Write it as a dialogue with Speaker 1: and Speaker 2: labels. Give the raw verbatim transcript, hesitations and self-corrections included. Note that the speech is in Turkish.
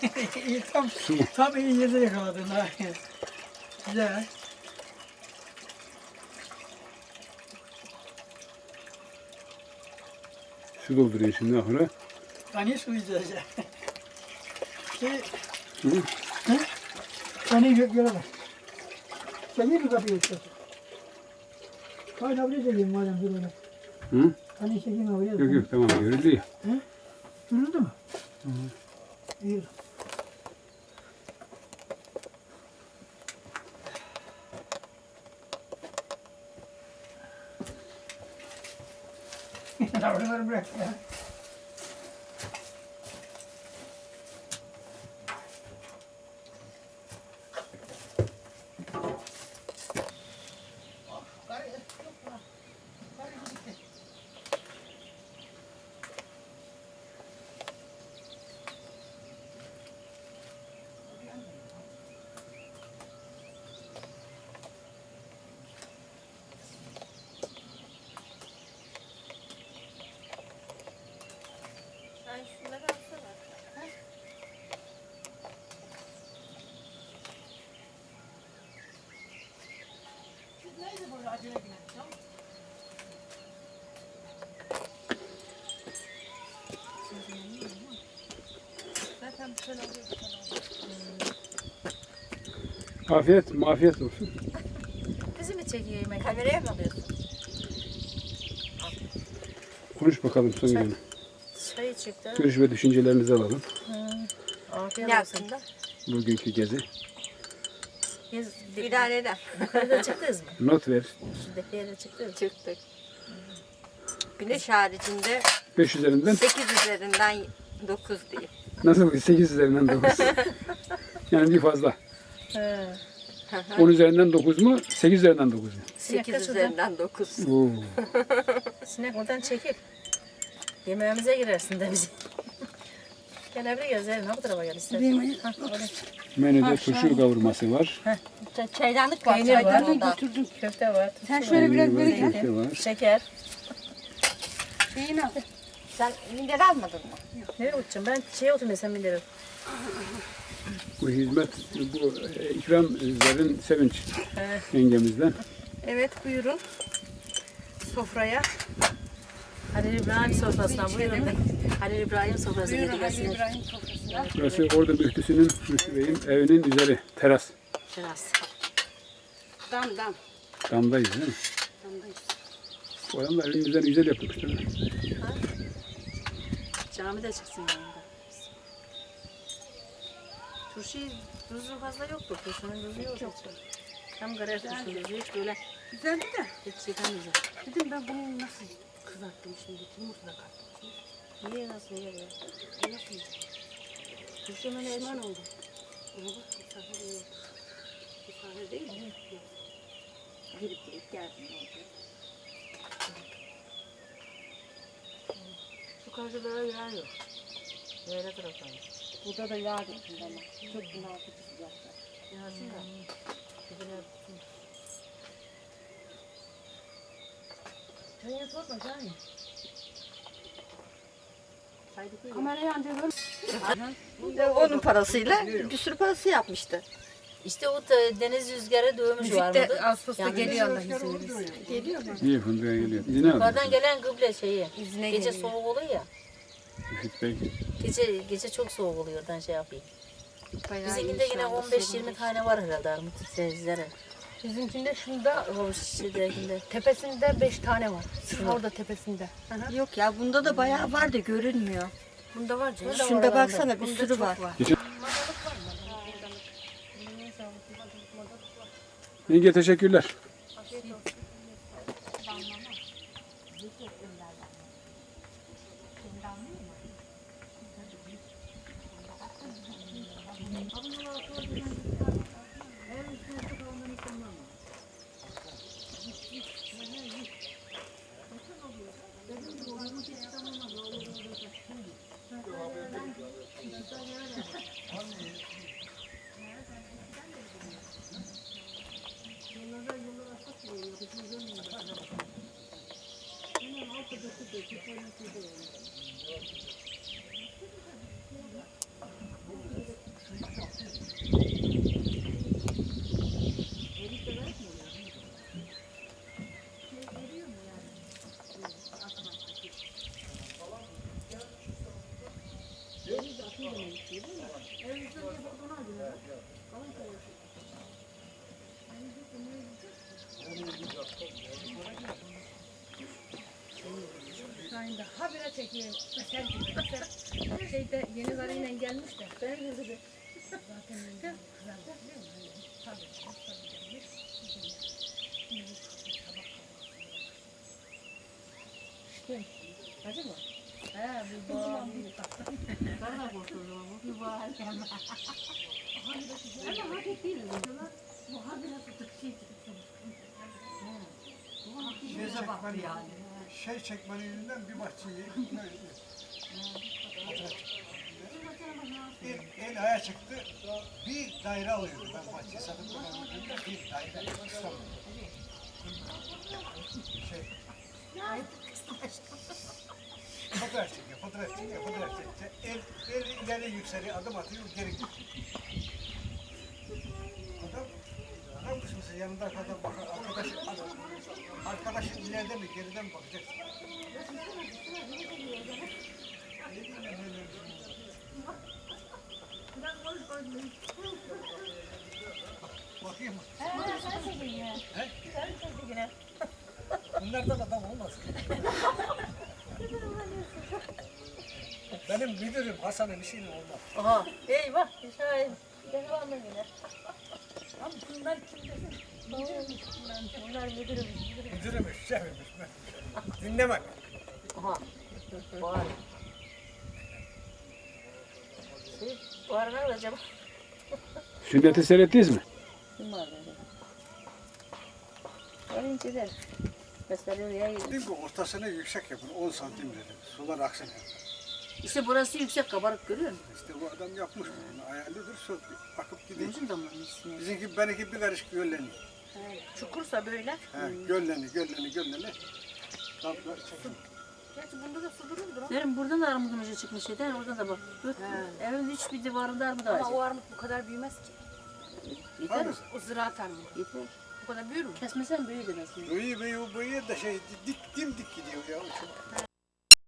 Speaker 1: İyi, tam, tam iyi yerde yakaladın ha. Güzel.
Speaker 2: Su dolduruyor şimdi ahıra.
Speaker 1: Hani su içeceğiz. Şey,
Speaker 2: Hı?
Speaker 1: hı? Seni gö göremez. Çekeyim mi kapıyı istiyorsun? Hayır, buraya çekeyim madem dur öyle.
Speaker 2: Hı?
Speaker 1: Hani çekeyim oraya.
Speaker 2: Yok yok tamam görüldü ya.
Speaker 1: Hı? Görüldü mü?
Speaker 2: Hı hı.
Speaker 1: İyi. Oraları bırak ya.
Speaker 3: Sen şunları alsana. Ha?
Speaker 1: Siz neydi böyle acele giden?
Speaker 3: Zaten bir şey oluyor, bir şey oluyor.
Speaker 2: Afiyet, mafiyet olsun.
Speaker 3: Bizi mi çekiyor yemek? Kameraya mı alıyorsun?
Speaker 2: Konuş bakalım son günü.
Speaker 3: Çayı çıktı.
Speaker 2: Görüş ve düşüncelerinizi alalım.
Speaker 3: Afiyet ne olsun. Hakkında?
Speaker 2: Bugünkü gezi.
Speaker 3: Biz idare eder. Yukarıda çıktınız mı?
Speaker 2: Not ver.
Speaker 3: Şuradaki yere çıktınız.
Speaker 4: Çıktık. Güneş haricinde
Speaker 2: beş üzerinden.
Speaker 4: sekiz üzerinden dokuz diyeyim.
Speaker 2: Nasıl? sekiz üzerinden dokuz. Yani bir fazla.
Speaker 3: He.
Speaker 2: on üzerinden dokuz mu? sekiz üzerinden dokuz mu?
Speaker 4: sekiz
Speaker 3: kaç
Speaker 4: üzerinden dokuz.
Speaker 2: Oo.
Speaker 3: Sinek oradan çekip yemeğimize girersin de bizi. Gel buraya gel. Ne bu tarafa gel istersen. Ha, oraya.
Speaker 2: Menüde turşu kavurması var.
Speaker 4: Çaydanlık var.
Speaker 3: Peynir var.
Speaker 4: Çaydanlık
Speaker 3: Götürdüm. Köfte var.
Speaker 4: Sen
Speaker 3: turşu
Speaker 4: şöyle
Speaker 3: var,
Speaker 4: biraz
Speaker 2: Peynir
Speaker 4: böyle
Speaker 2: var,
Speaker 4: gel.
Speaker 2: köfte var.
Speaker 3: şeker.
Speaker 4: Şeyini al. Sen minder almadın mı?
Speaker 3: Nereye uçacağım? Ben şeye oturmayayım sen bilirim.
Speaker 2: Bu hizmet, bu e, ikram Zerrin Sevinç
Speaker 3: Evet.
Speaker 2: yengemizden.
Speaker 4: Evet buyurun. Sofraya.
Speaker 3: Halil İbrahim sofrasından buyurun. Halil İbrahim sofrasına
Speaker 4: Buyurun Halil
Speaker 3: gidiyorsunuz.
Speaker 4: İbrahim sofrasına.
Speaker 2: Burası orada müftüsünün, Müftü Bey'in evinin üzeri, teras.
Speaker 3: Biraz.
Speaker 4: Dam dam.
Speaker 2: Damdayız değil mi?
Speaker 4: Damdayız.
Speaker 2: Bu adam da evin üzerine güzel yapmış değil mi?
Speaker 3: Cami de çıksın yanında. Turşu tuzu fazla yoktu. Turşunun tuzu yok. Yok. Tam karar turşunun tuzu hiç böyle
Speaker 4: Güzeldi de.
Speaker 3: hiç yıkamayacağım.
Speaker 4: Dedim ben bunu nasıl kızarttım şimdi? Yumurta da kattım.
Speaker 3: Niye nasıl yer ya?
Speaker 4: Nasıl yiyeceğim?
Speaker 3: Turşunun
Speaker 4: Pişman
Speaker 3: eşi.
Speaker 4: oldum. Ona bak bu sefer iyi oldu. Bu sefer değil mi? Yok. Girip girip geldim oldu.
Speaker 3: Şu karşılara yer yok. Yere taraftan.
Speaker 4: Burada da yağ döktüm bana. Çok bunaltıcı sıcakta.
Speaker 3: Yansın da. Dibine tutsun. Çayını tutma çayını.
Speaker 4: Kamerayı anca böyle. Onun parasıyla bir sürü parası yapmıştı.
Speaker 3: İşte o da deniz rüzgarı dövmüş var
Speaker 4: Müzik de
Speaker 3: mıydı?
Speaker 4: Ağustos'ta
Speaker 3: Yani
Speaker 4: geliyor Allah izin verirse. Geliyor mu?
Speaker 2: İyi fındığa geliyor. İzine aldı.
Speaker 3: Yukarıdan gelen kıble şeyi.
Speaker 4: İzine
Speaker 3: Gece
Speaker 4: geliyor.
Speaker 3: soğuk oluyor ya.
Speaker 2: Müfit Bey.
Speaker 3: Gece gece çok soğuk oluyor oradan şey yapayım.
Speaker 4: Bayağı
Speaker 3: Bizimkinde
Speaker 4: iyi şu
Speaker 3: yine
Speaker 4: anda,
Speaker 3: on beş
Speaker 4: serin
Speaker 3: yirmi
Speaker 4: değil.
Speaker 3: tane var herhalde armut denizlere.
Speaker 5: Bizimkinde şunda
Speaker 3: O şeydekinde.
Speaker 5: tepesinde beş tane var. Sırf orada tepesinde.
Speaker 4: Yok ya bunda da bayağı var da görünmüyor.
Speaker 3: Bunda var canım.
Speaker 4: Şunda baksana bir sürü var.
Speaker 2: Yenge teşekkürler.
Speaker 5: ayında habire çekeyim. Mesela gibi. Mesela şeyde yeni karıyla gelmiş de. Ben de dedi. Zaten güzel biliyor musun? Tabii. Tabii gelmiş. Kim? Hacı mı? He bu boğa.
Speaker 3: Ben de korkuyorum ama bu var gelme.
Speaker 5: Ama hafif değil. Bu hafif nasıl şey
Speaker 1: Şey çekmeni, yani. Şey çekmenin yüzünden bir bahçeyi el, el aya çıktı, bir daire alıyordu. Ben bahçeyi satıp bir daire İstanbul. Şey, fotoğraf çekiyor, fotoğraf çekiyor, fotoğraf çekiyor. El, el ileri yükseliyor, adım atıyor, geri gidiyor. Adam, adam kısmısı yanında adam bakar, arkadaş, adam, arkadaşın ileride mi, geride mi bakacaksın? Bakayım mı?
Speaker 3: Sen çekin ya.
Speaker 1: He?
Speaker 3: Sen çekin yine.
Speaker 1: Bunlardan adam olmaz. Benim müdürüm Hasan'ın işiyle olmaz.
Speaker 3: Aha. Eyvah. Şahin. Ben var mı yine?
Speaker 5: Ama bunlar kim desin?
Speaker 3: Bunlar müdürüm. Müdürüm.
Speaker 1: Müdürümüş, şefimmiş. Dinlemek.
Speaker 3: Aha. Var. Şey, var ne acaba?
Speaker 2: Sünneti seyrettiniz mi?
Speaker 3: Kim var böyle? Varın gider. Mesela oraya gidelim.
Speaker 1: Dedim ki ortasını yüksek yapın, on santim dedim. Sular aksın.
Speaker 3: İşte burası yüksek kabarık görüyor musun?
Speaker 1: İşte bu adam yapmış bunu. Ayarlıdır, su akıp gidiyor.
Speaker 3: Gözüm damlamışsın.
Speaker 1: Bizimki, benimki bir karış gölleniyor.
Speaker 3: Çukursa böyle.
Speaker 1: He, gölleniyor, gölleniyor, gölleniyor. Kaplar çekin.
Speaker 5: Gerçi bunda da su dururdur.
Speaker 3: Derim buradan da armudun ucu çıkmış şeyden, oradan da bak. Bak, evin hiçbir divarında armut
Speaker 5: Ama
Speaker 3: ağacı.
Speaker 5: o armut bu kadar büyümez ki.
Speaker 3: Yeter.
Speaker 1: Hangisi?
Speaker 5: O ziraat armut.
Speaker 3: Yeter.
Speaker 5: Bu kadar büyür mü?
Speaker 3: Kesmesen büyüdür aslında.
Speaker 1: Büyü büyü büyü de şey dik dimdik gidiyor ya. Çok